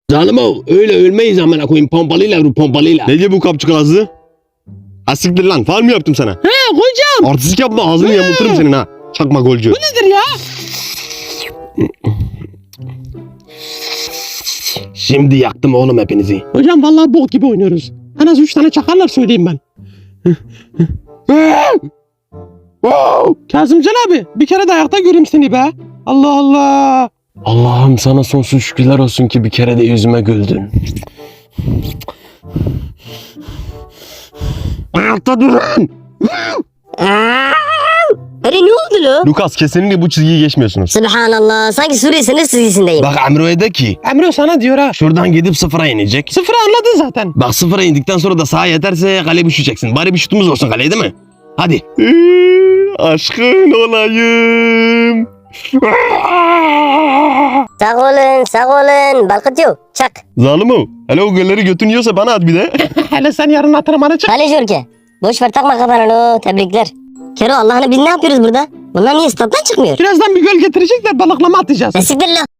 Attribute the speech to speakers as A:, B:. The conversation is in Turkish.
A: Zalimo öyle ölmeyiz amına koyayım pompalıyla vur pompalıyla.
B: Ne diyor bu kapçık ağzı? Ha siktir lan, faul mü yaptım sana?
A: He hocam.
B: Artistik yapma, ağzını yamulturum senin ha. Çakma golcü.
A: Nedir ya? Şimdi yaktım oğlum hepinizi. Hocam vallahi bok gibi oynuyoruz. En az 3 tane çakarlar söyleyeyim ben. Kazımcan abi bir kere de ayakta göreyim seni be. Allah Allah. Allah'ım sana sonsuz şükürler olsun ki bir kere de yüzüme güldün. Ayakta durun.
C: Öyle ne oldu lo?
B: Lukas, kesinlikle bu çizgiyi geçmiyorsunuz.
C: Subhanallah, sanki Suriye sınır çizgisindeyim.
A: Bak Emre'ye de ki. Emre sana diyor ha. Şuradan gidip sıfıra inecek. Sıfıra anladın zaten. Bak sıfıra indikten sonra da sağa yeterse kale düşeceksin. Bari bir şutumuz olsun kaleye değil mi? Hadi.
B: Aşkın olayım.
C: Sağ olun, balkıtıyor. Çak.
B: Zalimo, hele o golleri götün yiyorsa bana at bir de.
A: Hele sen yarın antrenmana çık.
C: Kaleci ülke. Boş ver takma kafana lo, tebrikler. Kero Allah'ını biz ne yapıyoruz burada? Bunlar niye stat'tan çıkmıyor?
A: Birazdan bir göl getirecekler balıklama atacağız.
C: Siktir lo.